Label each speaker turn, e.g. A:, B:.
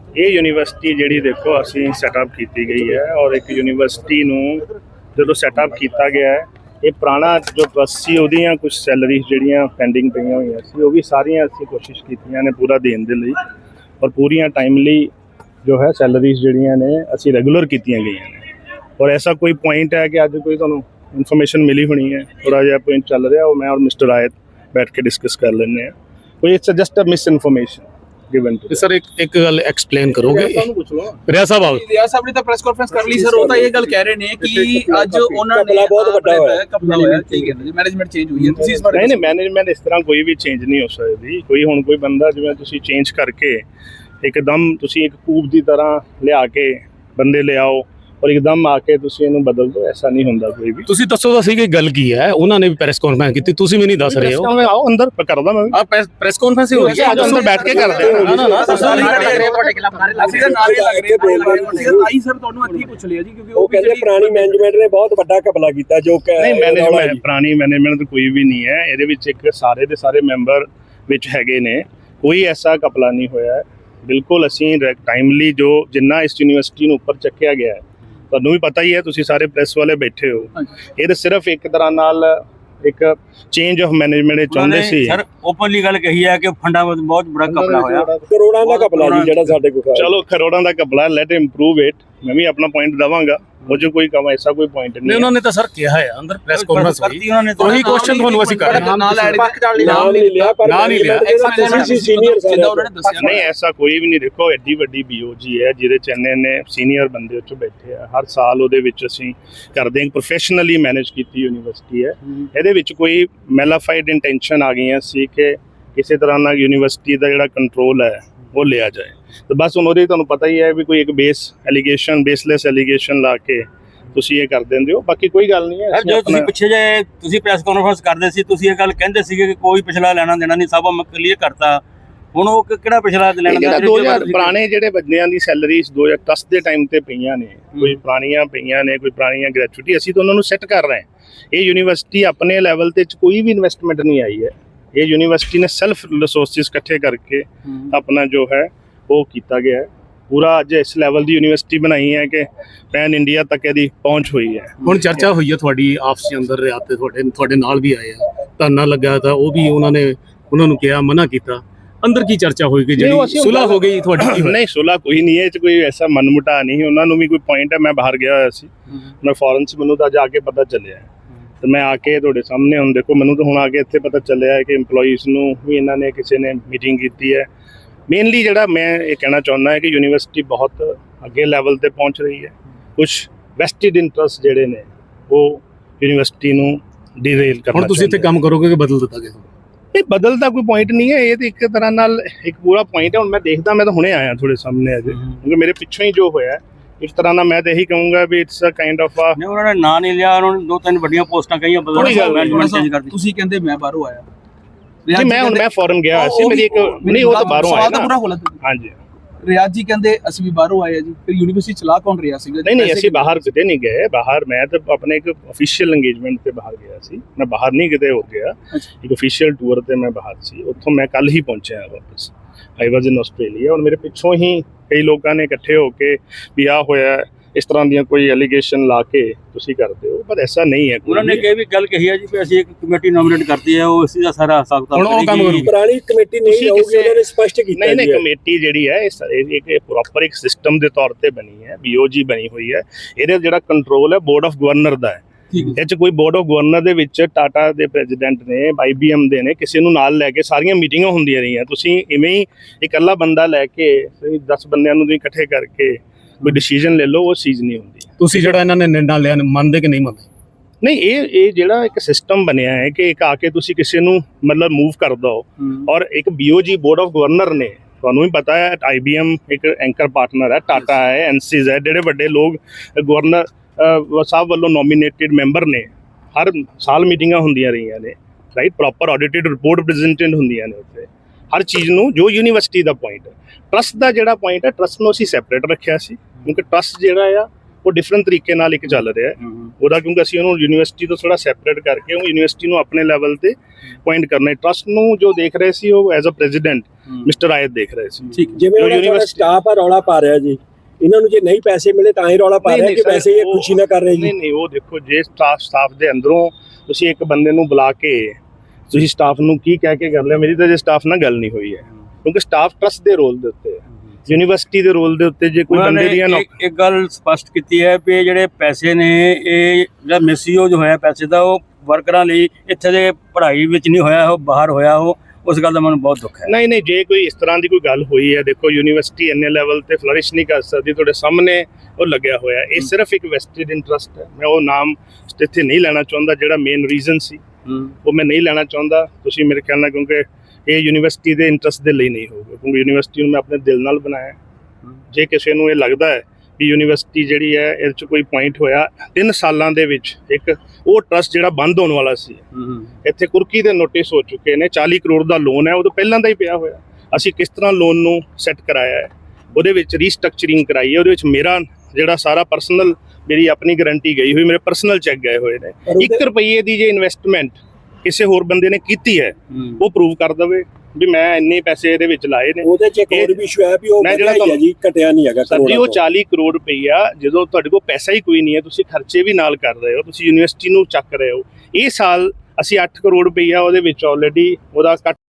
A: ਇਹ ਯੂਨੀਵਰਸਿਟੀ ਜਿਹੜੀ ਦੇਖੋ ਅਸੀਂ ਸੈਟਅਪ ਕੀਤੀ ਗਈ ਹੈ ਔਰ ਇੱਕ ਯੂਨੀਵਰਸਿਟੀ ਨੂੰ ਜਦੋਂ ਸੈਟਅਪ ਕੀਤਾ ਗਿਆ ਹੈ ਇਹ ਪੁਰਾਣਾ ਜੋ ਟਰਸਟ ਸੀ ਉਹਦੀਆਂ ਕੁਝ ਸੈਲਰੀਜ਼ ਜਿਹੜੀਆਂ ਪੈਂਡਿੰਗ ਪਈਆਂ ਹੋਈਆਂ ਸੀ ਉਹ ਵੀ ਸਾਰੀਆਂ ਅਸੀਂ ਕੋਸ਼ਿਸ਼ ਕੀਤੀਆਂ ਨੇ ਪੂਰਾ ਦੇਣ ਦੇ ਲਈ ਔਰ ਪੂਰੀਆਂ ਟਾਈਮਲੀ ਜੋ ਹੈ ਸੈਲਰੀਜ਼ ਜਿਹੜੀਆਂ ਨੇ ਅਸੀਂ ਰੈਗੂਲਰ ਕੀਤੀਆਂ ਗਈਆਂ ਨੇ ਔਰ ਐਸਾ ਕੋਈ ਪੁਆਇੰਟ ਹੈ ਕਿ ਅੱਜ ਕੋਈ ਤੁਹਾਨੂੰ ਇਨਫੋਰਮੇਸ਼ਨ ਮਿਲੀ ਹੋਣੀ ਹੈ ਥੋੜਾ ਜਿਹਾ ਪੁਆਇੰਟ ਚੱਲ ਰਿਹਾ ਉਹ ਮੈਂ ਔਰ ਮਿਸਟਰ ਆਇਤ ਬੈਠ ਕੇ ਡਿਸਕਸ ਕਰ ਲੈਂਦੇ ਹਾਂ ਕੋਈ it's just a misinformation given to
B: sir ਇੱਕ ਗੱਲ ਐਕਸਪਲੇਨ ਕਰੋਗੇ ਰਿਆ ਸਾਹਿਬ ਆਓ
C: ਰਿਆ ਸਾਹਿਬ ਨੇ ਤਾਂ ਪ੍ਰੈਸ ਕਾਨਫਰੰਸ ਕਰ ਲਈ ਸਰ ਉਹ ਤਾਂ ਇਹ ਗੱਲ ਕਹਿ ਰਹੇ ਨੇ ਕਿ ਅੱਜ ਉਹਨਾਂ ਨੇ ਬਹੁਤ ਵੱਡਾ ਹੋਇਆ ਕਪਲਾ ਹੋਇਆ ਕੀ ਕਹਿੰਦੇ ਜੀ ਮੈਨੇਜਮੈਂਟ ਚੇਂਜ ਹੋਈ ਹੈ ਤੁਸੀਂ ਇਸ ਬਾਰੇ
A: ਨਹੀਂ ਮੈਨੇਜਮੈਂਟ ਇਸ ਤਰ੍ਹਾਂ ਕੋਈ ਵੀ ਚੇਂਜ ਨਹੀਂ ਹੋ ਸਕਦੀ ਕੋਈ ਹੁਣ ਕੋਈ ਬੰਦਾ ਜਿਵੇਂ ਤੁਸੀਂ ਚੇਂਜ ਕਰਕੇ ਇੱਕਦਮ ਤੁਸੀਂ ਇੱਕ ਕੂਬ ਦੀ ਤਰ੍ਹਾਂ ਲਿਆ ਕੇ ਬੰਦੇ ਲਿਆਓ ਔਰ ਇੱਕਦਮ ਆ ਕੇ ਤੁਸੀਂ ਇਹਨੂੰ ਬਦਲ ਦਿਓ ਐਸਾ ਨਹੀਂ ਹੁੰਦਾ ਕੋਈ ਵੀ
B: ਤੁਸੀਂ ਦੱਸੋ ਤਾਂ ਸਹੀ ਕਿ ਗੱਲ ਕੀ ਹੈ ਉਹਨਾਂ ਨੇ ਵੀ ਪ੍ਰੈਸ ਕਾਨਫਰੰਸ ਕੀਤੀ ਤੁਸੀਂ ਵੀ ਨਹੀਂ ਦੱਸ ਰਹੇ ਹੋ
A: ਆਓ ਅੰਦਰ ਕਰਦਾ ਮੈਂ
B: ਆ ਪ੍ਰੈਸ ਕਾਨਫਰੰਸ ਹੀ ਹੋ ਰਹੀ ਹੈ
A: ਅੱਜ ਅੰਦਰ ਬੈਠ ਕੇ ਕਰਦੇ ਹਾਂ
C: ਨਾ ਤੁਹਾਡੇ ਖਿਲਾਫ ਨਾਰੇ ਲੱਗ ਰਹੇ ਆਈ ਸਰ ਤੁਹਾਨੂੰ ਇੱਥੇ ਪੁੱਛ ਲਿਆ ਜੀ ਕਿਉਂਕਿ
D: ਉਹ ਕਹਿੰਦੇ ਪੁਰਾਣੀ ਮੈਨੇਜਮੈਂਟ ਨੇ ਬਹੁਤ ਵੱਡਾ ਘਪਲਾ ਕੀਤਾ ਜੋ ਕਿ
A: ਨਹੀਂ ਮੈਨੇਜਮੈਂਟ ਪੁਰਾਣੀ ਮੈਨੇਜਮੈਂਟ ਕੋਈ ਵੀ ਨਹੀਂ ਹੈ ਇਹਦੇ ਵਿੱਚ ਇੱਕ ਸਾਰੇ ਦੇ ਸਾਰੇ ਮੈਂਬਰ ਵਿੱਚ ਹੈਗੇ ਨੇ ਕੋਈ ਐਸਾ ਘਪਲਾ ਨਹੀਂ ਹੋਇਆ ਬਿਲਕੁਲ ਅਸੀਂ ਟਾਈਮਲੀ ਜੋ ਜਿੰਨਾ ਇਸ ਯੂਨੀਵਰਸਿਟੀ ਨੂੰ ਉੱਪਰ ਚੱਕਿਆ ਗਿਆ ਹੈ ਤੁਹਾਨੂੰ ਵੀ ਪਤਾ ਹੀ ਹੈ ਤੁਸੀਂ ਸਾਰੇ ਪ੍ਰੈਸ ਵਾਲੇ ਬੈਠੇ ਹੋ ਇਹ ਤਾਂ ਸਿਰਫ ਇੱਕ ਤਰ੍ਹਾਂ ਨਾਲ ਇੱਕ ਚੇਂਜ ਆਫ ਮੈਨੇਜਮੈਂਟ ਚਾਹੁੰਦੇ ਸੀ
E: ਸਰ ਓਪਨਲੀ ਗੱਲ ਕਹੀ ਹੈ ਕਿ ਫੰਡਾਂ ਵਿੱਚ ਬਹੁਤ ਬੜਾ ਘਪਲਾ ਹੋਇਆ
D: ਕਰੋੜਾਂ ਦਾ ਘਪਲਾ ਜੀ ਜਿਹੜਾ ਸਾਡੇ ਕੋਲ
A: ਚਲੋ ਕਰੋੜਾਂ ਦਾ ਘਪਲਾ ਲੈਟ ਇੰਪਰੂਵ ਇਟ ਮੈਂ ਵੀ ਆਪਣਾ ਪੁਆਇੰਟ ਦਵਾਂਗਾ ਉਹ ਜੋ ਕੋਈ ਕੰਮ ਐਸਾ ਕੋਈ ਪੁਆਇੰਟ ਨਹੀਂ
B: ਉਹਨਾਂ ਨੇ ਤਾਂ ਸਰ ਕਿਹਾ ਹੈ ਅੰਦਰ ਪ੍ਰੈਸ ਕਾਨਫਰੰਸ ਹੋਈ
E: ਉਹਨਾਂ ਨੇ
B: ਉਹੀ ਕੁਐਸਚਨ ਤੁਹਾਨੂੰ ਅਸੀਂ ਕਰ ਰਹੇ ਹਾਂ
C: ਨਾਲ ਐਡ
D: ਨਾਮ ਨਹੀਂ ਲਿਆ ਪਰ
B: ਨਾਂ ਨਹੀਂ ਲਿਆ।
D: ਸੀਨੀਅਰ
C: ਜਿੱਦਾਂ ਉਹਨਾਂ ਨੇ ਦੱਸਿਆ
A: ਨਹੀਂ ਐਸਾ ਕੋਈ ਵੀ ਨਹੀਂ ਦੇਖੋ ਐਡੀ ਵੱਡੀ ਬੀਓਜੀ ਹੈ ਜਿਹਦੇ ਚ ਇੰਨੇ ਸੀਨੀਅਰ ਬੰਦੇ ਉੱਚ ਬੈਠੇ ਆ ਹਰ ਸਾਲ ਉਹਦੇ ਵਿੱਚ ਅਸੀਂ ਕਰਦੇ ਹਾਂ ਪ੍ਰੋਫੈਸ਼ਨਲੀ ਮੈਨੇਜ ਕੀਤੀ ਯੂਨੀਵਰਸਿਟੀ ਹੈ ਇਹਦੇ ਵਿੱਚ ਕੋਈ ਮੈਲਾਫਾਈਡ ਇੰਟੈਂਸ਼ਨ ਆ ਗਈਆਂ ਸੀ ਕਿ ਕਿਸੇ ਤਰ੍ਹਾਂ ਨਾਲ ਯੂਨੀਵਰਸਿਟੀ ਦਾ ਜਿਹੜਾ ਕੰਟਰੋਲ ਹੈ ਉਹ ਲਿਆ ਜਾਏ ਤੇ ਬਸ ਹੁਣ ਉਹਦੇ ਤੁਹਾਨੂੰ ਪਤਾ ਹੀ ਹੈ ਵੀ ਕੋਈ ਇੱਕ ਬੇਸਲੈਸ ਐਲੀਗੇਸ਼ਨ ਲਾ ਕੇ ਤੁਸੀਂ ਇਹ ਕਰ ਦਿੰਦੇ ਹੋ ਬਾਕੀ ਕੋਈ ਗੱਲ ਨਹੀਂ ਹੈ
E: ਜੋ ਤੁਸੀਂ ਪਿੱਛੇ ਜੇ ਤੁਸੀਂ ਪ੍ਰੈਸ ਕਾਨਫਰੰਸ ਕਰਦੇ ਸੀ ਤੁਸੀਂ ਇਹ ਗੱਲ ਕਹਿੰਦੇ ਸੀਗੇ ਕਿ ਕੋਈ ਪਿਛਲਾ ਲੈਣਾ ਦੇਣਾ ਨਹੀਂ ਸਭ ਮੈਂ ਕਲੀਅਰ ਕਰਤਾ ਹੁਣ ਉਹ ਕਿਹੜਾ ਪਿਛਲਾ ਲੈਣਾ ਦੇਣਾ
A: 2000 ਪੁਰਾਣੇ ਜਿਹੜੇ ਬੰਦਿਆਂ ਦੀ ਸੈਲਰੀਜ਼ 2010 ਦੇ ਟਾਈਮ ਤੇ ਪਈਆਂ ਨੇ ਕੋਈ ਪੁਰਾਣੀਆਂ ਪਈਆਂ ਨੇ ਕੋਈ ਪੁਰਾਣੀਆਂ ਗ੍ਰੈਚੁਇਟੀ ਅਸੀਂ ਤਾਂ ਉਹਨਾਂ ਨੂੰ ਸੈੱਟ ਕਰ ਰਹੇ ਹਾਂ ਇਹ ਯੂਨੀਵਰਸਿਟੀ ਆਪਣੇ ਲੈਵਲ ਤੇ ਕੋਈ ਵੀ ਇਨਵੈਸਟਮੈਂਟ ਨਹੀਂ ਆਈ ਹੈ ਇਹ ਯੂਨੀਵਰਸਿਟੀ ਨੇ ਸੈਲਫ ਰਿਸੋਰਸਿਸ ਇਕੱਠੇ ਕਰਕੇ ਆਪਣਾ ਜੋ ਹੈ ਉਹ ਕੀਤਾ ਗਿਆ ਹੈ ਪੂਰਾ ਅੱਜ ਇਸ ਲੈਵਲ ਦੀ ਯੂਨੀਵਰਸਿਟੀ ਬਣਾਈ ਹੈ ਕਿ ਪੈਨ ਇੰਡੀਆ ਤੱਕ ਇਹਦੀ ਪਹੁੰਚ ਹੋਈ ਹੈ
B: ਹੁਣ ਚਰਚਾ ਹੋਈ ਹੈ ਤੁਹਾਡੀ ਆਪਸ ਦੇ ਅੰਦਰ ਰਿਆ ਤੇ ਤੁਹਾਡੇ ਨਾਲ ਵੀ ਆਏ ਆ ਧਰਨਾ ਲੱਗਾ ਤਾਂ ਉਹ ਵੀ ਉਹਨਾਂ ਨੂੰ ਕਿਹਾ ਮਨਾ ਕੀਤਾ ਅੰਦਰ ਕੀ ਚਰਚਾ ਹੋਈ ਕਿ ਜਿਹੜੀ ਸੁਲ੍ਹਾ ਹੋ ਗਈ ਤੁਹਾਡੀ
A: ਨਹੀਂ ਸੁਲ੍ਹਾ ਕੋਈ ਨਹੀਂ ਹੈ ਇਹ 'ਚ ਕੋਈ ਐਸਾ ਮਨਮੁਟਾ ਨਹੀਂ ਉਹਨਾਂ ਨੂੰ ਵੀ ਕੋਈ ਪੁਆਇੰਟ ਹੈ ਮੈਂ ਬਾਹਰ ਗਿਆ ਹੋਇਆ ਸੀ ਮੈਂ ਫੋਰਨ 'ਚ ਮੈਨੂੰ ਤਾਂ ਜਾ ਕੇ ਪਤਾ ਚੱਲਿਆ ਤੇ ਮੈਂ ਆ ਕੇ ਤੁਹਾਡੇ ਸਾਹਮਣੇ ਹੁਣ ਦੇਖੋ ਮੈਨੂੰ ਤਾਂ ਹੁਣ ਆ ਕੇ ਇੱਥੇ ਪਤਾ ਚੱਲਿਆ ਹੈ ਕਿ EMPLOYEES ਨੂੰ ਵੀ ਇਹਨਾਂ ਨੇ ਕਿਸੇ ਨੇ ਮੀਟਿੰਗ ਕੀਤੀ ਹੈ ਮੇਨਲੀ ਜਿਹੜਾ ਮੈਂ ਇਹ ਕਹਿਣਾ ਚਾਹੁੰਦਾ ਹੈ ਕਿ ਯੂਨੀਵਰਸਿਟੀ ਬਹੁਤ ਅੱਗੇ ਲੈਵਲ ਤੇ ਪਹੁੰਚ ਰਹੀ ਹੈ ਕੁਝ ਵੈਸਟਿਡ ਇੰਟਰਸਟ ਜਿਹੜੇ ਨੇ ਉਹ ਯੂਨੀਵਰਸਿਟੀ ਨੂੰ ਡੀਰੇਲ ਕਰਨਾ
B: ਹੁਣ ਤੁਸੀਂ ਇੱਥੇ ਕੰਮ ਕਰੋਗੇ ਕਿ ਬਦਲ ਦਿੱਤਾ ਗਿਆ
A: ਇਹ ਬਦਲ ਦਾ ਕੋਈ ਪੁਆਇੰਟ ਨਹੀਂ ਹੈ ਇਹ ਤਾਂ ਇੱਕ ਤਰ੍ਹਾਂ ਨਾਲ ਇੱਕ ਪੂਰਾ ਪੁਆਇੰਟ ਹੈ ਹੁਣ ਮੈਂ ਦੇਖਦਾ ਮੈਂ ਤਾਂ ਹੁਣੇ ਆਇਆ ਤੁਹਾਡੇ ਸਾਹਮਣੇ ਅਜੇ ਕਿਉਂਕਿ ਮੇਰੇ ਪਿੱਛੋਂ ਹੀ ਜੋ ਹੋਇਆ ਇਸ ਤਰ੍ਹਾਂ ਨਾਲ ਮੈਂ ਤਾਂ ਇਹੀ ਕਹੂੰਗਾ ਵੀ ਇਟਸ ਅ ਕਾਈਂਡ ਆਫ
E: ਨਹੀਂ ਉਹਨਾਂ ਨੇ ਨਾਂ ਨਹੀਂ ਲਿਆ ਉਹਨਾਂ ਨੇ 2-3 ਵੱਡੀਆਂ ਪੋਸਟਾਂ ਕਹੀਆਂ ਮੈਨੇਜਮੈਂਟ ਚੇਂਜ ਕਰਦੀ
C: ਤੁਸੀਂ ਕਹਿੰਦੇ ਮੈਂ ਬਾਹਰੋਂ ਆਇਆ
A: ਜੀ ਮੈਂ ਫੋਰਨ ਗਿਆ ਸੀ ਮੇਰੀ ਇੱਕ ਨਹੀਂ ਉਹ ਤਾਂ ਬਾਹਰੋਂ ਆਇਆ
C: ਨਾ
A: ਹਾਂਜੀ
C: ਰਿਆਜ਼ ਜੀ ਕਹਿੰਦੇ ਅਸੀਂ ਵੀ ਬਾਹਰੋਂ ਆਏ ਆ ਜੀ ਫਿਰ ਯੂਨੀਵਰਸਿਟੀ ਚਲਾ ਕੌਣ ਰਿਹਾ ਸੀਗਾ
A: ਨਹੀਂ ਅਸੀਂ ਬਾਹਰ ਕਿਤੇ ਨਹੀਂ ਗਏ ਬਾਹਰ ਮੈਂ ਤਾਂ ਆਪਣੇ ਇੱਕ ਅਫੀਸ਼ੀਅਲ ਇੰਗੇਜਮੈਂਟ ਤੇ ਬਾਹਰ ਗਿਆ ਸੀ ਮੈਂ ਬਾਹਰ ਨਹੀਂ ਕਿਤੇ ਹੋ ਗਿਆ ਇੱਕ ਅਫੀਸ਼ੀਅਲ ਟੂਰ ਤੇ ਮੈਂ ਬਾਹਰ ਸੀ ਉੱਥੋਂ ਮੈਂ ਕੱਲ ਹੀ ਪਹੁੰਚਿਆ ਵਾਪਸ ਆਈ ਵਾਜ਼ ਇਨ ਆਸਟ੍ਰੇਲੀਆ ਔਰ ਮੇਰੇ ਪਿੱਛੋਂ ਹੀ ਕਈ ਲੋਕਾਂ ਨੇ ਇਕੱਠੇ ਹੋ ਕੇ ਵੀ ਆਹ ਹੋਇਆ ਇਸ ਤਰ੍ਹਾਂ ਦੀਆਂ ਕੋਈ ਐਲੀਗੇਸ਼ਨ ਲਾ ਕੇ ਤੁਸੀਂ ਕਰਦੇ ਹੋ ਪਰ ਐਸਾ ਨਹੀਂ ਹੈ
E: ਉਹਨਾਂ ਨੇ ਇਹ ਵੀ ਗੱਲ ਕਹੀ ਹੈ ਜੀ ਕਿ ਅਸੀਂ ਇੱਕ ਕਮੇਟੀ ਨੋਮੀਨੇਟ ਕਰਤੀ ਹੈ ਉਹ ਇਸੇ ਦਾ ਸਾਰਾ ਹਿਸਾਬ
B: ਹੁਣ ਉਹ ਕੰਮ ਕਰੂ
D: ਪੁਰਾਣੀ ਕਮੇਟੀ ਨਹੀਂ ਹੋਊਗੀ ਉਹਨਾਂ ਨੇ ਸਪਸ਼ਟ ਕੀਤਾ
A: ਨਹੀਂ ਕਮੇਟੀ ਜਿਹੜੀ ਹੈ ਇਹ ਪ੍ਰੋਪਰ ਇੱਕ ਸਿਸਟਮ ਦੇ ਤੌਰ ਤੇ ਬਣੀ ਹੈ BOG ਬਣੀ ਹੋਈ ਹੈ ਇਹਦੇ ਜਿਹੜਾ ਕੰਟਰੋਲ ਹੈ ਬੋਰਡ ਆਫ ਗਵਰਨਰ ਦਾ ਹੈ ਇਹ 'ਚ ਕੋਈ ਬੋਰਡ ਆਫ ਗਵਰਨਰ ਦੇ ਵਿੱਚ ਟਾਟਾ ਦੇ ਪ੍ਰੈਜ਼ੀਡੈਂਟ ਨੇ IBM ਦੇ ਨੇ ਕਿਸੇ ਨੂੰ ਨਾਲ ਲੈ ਕੇ ਸਾਰੀਆਂ ਮੀਟਿੰਗਾਂ ਹੁੰਦੀਆਂ ਰਹੀਆਂ ਤੁਸੀਂ ਇਵੇਂ ਹੀ ਇਕੱਲਾ ਬੰਦਾ ਲੈ ਕੇ 10 ਬੰਦਿਆਂ ਨੂੰ ਤੁਸੀਂ ਇਕੱਠੇ ਕਰਕੇ ਕੋਈ ਡਿਸੀਜਨ ਲੈ ਲਓ ਉਹ ਚੀਜ਼ ਨਹੀਂ ਹੁੰਦੀ
B: ਤੁਸੀਂ ਜਿਹੜਾ ਇਹਨਾਂ ਨੇ ਨਿਰਣਾ ਲਿਆ ਮੰਨਦੇ ਕਿ ਨਹੀਂ ਮੰਨਦੇ
A: ਨਹੀਂ ਇਹ ਜਿਹੜਾ ਇੱਕ ਸਿਸਟਮ ਬਣਿਆ ਹੈ ਕਿ ਇੱਕ ਆ ਕੇ ਤੁਸੀਂ ਕਿਸੇ ਨੂੰ ਮਤਲਬ ਮੂਵ ਕਰ ਦੋ ਔਰ ਇੱਕ BOG ਬੋਰਡ ਆਫ ਗਵਰਨਰ ਨੇ ਤੁਹਾਨੂੰ ਵੀ ਪਤਾ ਹੈ IBM ਇੱਕ ਐਂਕਰ ਪਾਰਟਨਰ ਹੈ ਟਾਟਾ ਹੈ NCs ਹੈ ਜਿਹੜੇ ਵੱਡੇ ਲੋਕ ਗਵਰਨਰ ਸਾਹਿਬ ਵੱਲੋਂ ਨੋਮੀਨੇਟਿਡ ਮੈਂਬਰ ਨੇ ਹਰ ਸਾਲ ਮੀਟਿੰਗਾਂ ਹੁੰਦੀਆਂ ਰਹੀਆਂ ਨੇ right proper audited report presented ਹੁੰਦੀਆਂ ਨੇ ਉੱਥੇ ਹਰ ਚੀਜ਼ ਨੂੰ ਜੋ ਯੂਨੀਵਰਸਿਟੀ ਦਾ ਪੁਆਇੰਟ ਹੈ ਟਰਸਟ ਦਾ ਜਿਹੜਾ ਪੁਆਇੰਟ ਹੈ ਟਰਸਟ ਨੂੰ ਅਸੀਂ ਸੈਪਰੇਟ ਰੱਖਿਆ ਸੀ ਕਿਉਂਕਿ ਟਰਸਟ ਜਿਹੜਾ ਆ ਉਹ ਡਿਫਰੈਂਟ ਤਰੀਕੇ ਨਾਲ ਇੱਕ ਚੱਲ ਰਿਹਾ ਹੈ ਉਹਦਾ, ਕਿਉਂਕਿ ਅਸੀਂ ਉਹਨੂੰ ਯੂਨੀਵਰਸਿਟੀ ਤੋਂ ਥੋੜਾ ਸੈਪਰੇਟ ਕਰਕੇ ਉਹ ਯੂਨੀਵਰਸਿਟੀ ਨੂੰ ਆਪਣੇ ਲੈਵਲ ਤੇ ਪੁਆਇੰਟ ਕਰਨਾ ਹੈ। ਟਰਸਟ ਨੂੰ ਜੋ ਦੇਖ ਰਹੇ ਸੀ ਉਹ ਐਜ਼ ਅ ਪ੍ਰੈਜ਼ੀਡੈਂਟ ਮਿਸਟਰ ਆਇਤ ਦੇਖ ਰਹੇ ਸੀ।
C: ਠੀਕ
D: ਜਿਵੇਂ ਉਹਨਾਂ ਸਟਾਫ ਆ ਰੌਲਾ ਪਾ ਰਿਹਾ ਜੀ, ਇਹਨਾਂ ਨੂੰ ਜੇ ਨਹੀਂ ਪੈਸੇ ਮਿਲੇ ਤਾਂ ਹੀ ਰੌਲਾ ਪਾ ਰਿਹਾ ਕਿ ਪੈਸੇ ਇਹ ਖੁਸ਼ੀ ਨਾ ਕਰ ਰਹੇ ਜੀ।
A: ਨਹੀਂ ਉਹ ਦੇਖੋ, ਜੇ ਸਟਾਫ ਦੇ ਅੰਦਰੋਂ ਤੁਸੀਂ ਇੱਕ ਬੰਦੇ ਨੂੰ ਬੁਲਾ ਕੇ ਤੁਸੀਂ ਸਟਾਫ ਨੂੰ ਕੀ ਕਹਿ ਕੇ ਕਰ ਲਿਆ, ਮੇਰੀ ਤਾਂ ਜੇ ਸਟਾਫ ਨਾਲ ਗੱਲ ਨਹੀਂ ਹੋਈ ਹੈ, ਕਿਉਂਕਿ ਸਟਾਫ ਟਰਸਟ ਦੇ ਰੋਲ ਦੇ ਉੱਤੇ ਹੈ, ਯੂਨੀਵਰਸਿਟੀ ਦੇ ਰੋਲ ਦੇ ਉੱਤੇ ਜੇ ਕੋਈ ਬੰਦੇ ਦੀਆਂ
E: ਇੱਕ ਗੱਲ ਸਪਸ਼ਟ ਕੀਤੀ ਹੈ ਵੀ ਜਿਹੜੇ ਪੈਸੇ ਨੇ ਇਹ ਜਿਹੜਾ ਮਿਸਯੂਜ਼ ਹੋਇਆ ਪੈਸੇ ਦਾ ਉਹ ਵਰਕਰਾਂ ਲਈ ਇੱਥੇ ਦੇ ਪੜ੍ਹਾਈ ਵਿੱਚ ਨਹੀਂ ਹੋਇਆ, ਉਹ ਬਾਹਰ ਹੋਇਆ, ਉਹ ਉਸ ਗੱਲ ਦਾ ਮੈਨੂੰ ਬਹੁਤ ਦੁੱਖ ਹੈ।
A: ਨਹੀਂ ਜੇ ਕੋਈ ਇਸ ਤਰ੍ਹਾਂ ਦੀ ਕੋਈ ਗੱਲ ਹੋਈ ਹੈ, ਦੇਖੋ ਯੂਨੀਵਰਸਿਟੀ ਇੰਨੇ ਲੈਵਲ ਤੇ ਫਲਰਿਸ਼ ਨਹੀਂ ਕਰ ਸਕਦੀ, ਤੁਹਾਡੇ ਸਾਹਮਣੇ ਉਹ ਲੱਗਿਆ ਹੋਇਆ। ਇਹ ਸਿਰਫ ਇੱਕ ਵੈਸਟਡ ਇੰਟਰਸਟ ਹੈ, ਮੈਂ ਉਹ ਨਾਮ ਇੱਥੇ ਨਹੀਂ ਲੈਣਾ ਚਾਹੁੰਦਾ ਜਿਹੜਾ ਮੇਨ ਰੀਜ਼ਨ ਸੀ, ਉਹ ਮੈਂ ਨਹੀਂ ਲੈਣਾ ਚਾਹੁੰਦਾ। ਤੁਸੀਂ ਮੇਰੇ ਖਿਆਲ ਨਾਲ, ਕਿਉਂਕਿ ਇਹ ਯੂਨੀਵਰਸਿਟੀ ਦੇ ਇੰਟਰਸਟ ਦੇ ਲਈ ਨਹੀਂ ਹੋਊਗਾ, ਕਿਉਂਕਿ ਯੂਨੀਵਰਸਿਟੀ ਨੂੰ ਮੈਂ ਆਪਣੇ ਦਿਲ ਨਾਲ ਬਣਾਇਆ। ਜੇ ਕਿਸੇ ਨੂੰ ਇਹ ਲੱਗਦਾ ਹੈ ਵੀ ਯੂਨੀਵਰਸਿਟੀ ਜਿਹੜੀ ਹੈ ਇਹਦੇ 'ਚ ਕੋਈ ਪੁਆਇੰਟ ਹੋਇਆ 3 ਸਾਲਾਂ ਦੇ ਵਿੱਚ, ਇੱਕ ਉਹ ਟਰਸਟ ਜਿਹੜਾ ਬੰਦ ਹੋਣ ਵਾਲਾ ਸੀ, ਇੱਥੇ ਕੁਰਕੀ ਦੇ ਨੋਟਿਸ ਹੋ ਚੁੱਕੇ ਨੇ, 40 ਕਰੋੜ ਦਾ ਲੋਨ ਹੈ, ਉਹ ਤੋਂ ਪਹਿਲਾਂ ਦਾ ਹੀ ਪਿਆ ਹੋਇਆ। ਅਸੀਂ ਕਿਸ ਤਰ੍ਹਾਂ ਲੋਨ ਨੂੰ ਸੈੱਟ ਕਰਾਇਆ ਹੈ, ਉਹਦੇ ਵਿੱਚ ਰੀਸਟਰਕਚਰਿੰਗ ਕਰਾਈ ਹੈ, ਉਹਦੇ ਵਿੱਚ ਮੇਰਾ ਜਿਹੜਾ ਸਾਰਾ ਪਰਸਨਲ, ਮੇਰੀ ਆਪਣੀ ਗਰੰਟੀ ਗਈ ਹੋਈ, ਮੇਰੇ ਪਰਸਨਲ ਚੈੱਕ ਗਏ ਹੋਏ ਨੇ। 1 ਰੁਪਏ ਦੀ ਜੇ ਇਨਵੈਸਟਮੈਂਟ ਕਿਸੇ ਹੋਰ ਬੰਦੇ ਨੇ ਕੀਤੀ ਹੈ, ਉਹ ਪ੍ਰੂਵ ਕਰ ਦੇਵੇ ਵੀ ਮੈਂ ਇੰਨੇ ਪੈਸੇ ਇਹਦੇ ਵਿੱਚ ਲਾਏ ਨੇ।
D: ਉਹਦੇ 'ਚ ਇੱਕ ਹੋਰ ਵੀ ਇਸ਼ੂ ਹੈ ਵੀ ਉਹ ਵਧਿਆ ਹੀ ਹੈ ਜੀ, ਘਟਿਆ ਨਹੀਂ ਹੈਗਾ।
A: ਸਰ ਜੀ, ਉਹ 40 ਕਰੋੜ ਰੁਪਈਆ ਜਦੋਂ ਤੁਹਾਡੇ ਕੋਲ ਪੈਸਾ ਹੀ ਕੋਈ ਨਹੀਂ ਹੈ, ਤੁਸੀਂ ਖਰਚੇ ਵੀ ਨਾਲ ਕਰ ਰਹੇ ਹੋ, ਤੁਸੀਂ ਯੂਨੀਵਰਸਿਟੀ ਨੂੰ ਚੱਕ ਰਹੇ ਹੋ। ਇਹ ਸਾਲ ਅਸੀਂ 8 ਕਰੋੜ ਰੁਪਈਆ ਉਹਦੇ ਵਿੱਚ ਆਲਰੇਡੀ ਉਹਦਾ ਕੱਟ